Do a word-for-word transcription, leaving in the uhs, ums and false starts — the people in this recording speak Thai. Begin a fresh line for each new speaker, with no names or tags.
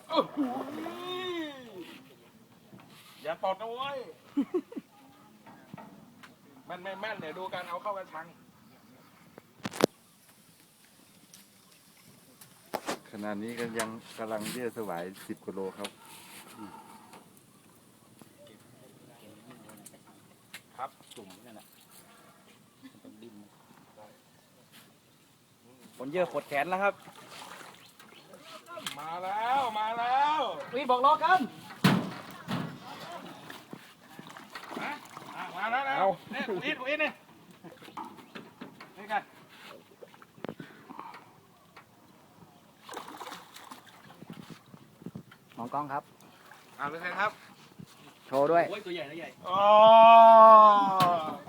อย่าตดนะเว้ยแม่นไม่แม่นเนี่ยดูการเอาเข้ากระชัง
ขณะนี้ก็ยังกำลังเรียกสวายสิบกิโลครับ
ครับจุ่มนั่นแหละ
ผลเยอะขดแขนแล้วครับ
มาแล้วมาแล้ว
วีบอกรอกัน
มาแล้วนะเนี่ยตรงนี้ตรงนี้นี่นี่กัน
มองกล้องครับ
เอาเลยใครครับ
โชว์ด้วย
โอ้ยตัวใหญ่ตัวใหญ่อ๋อ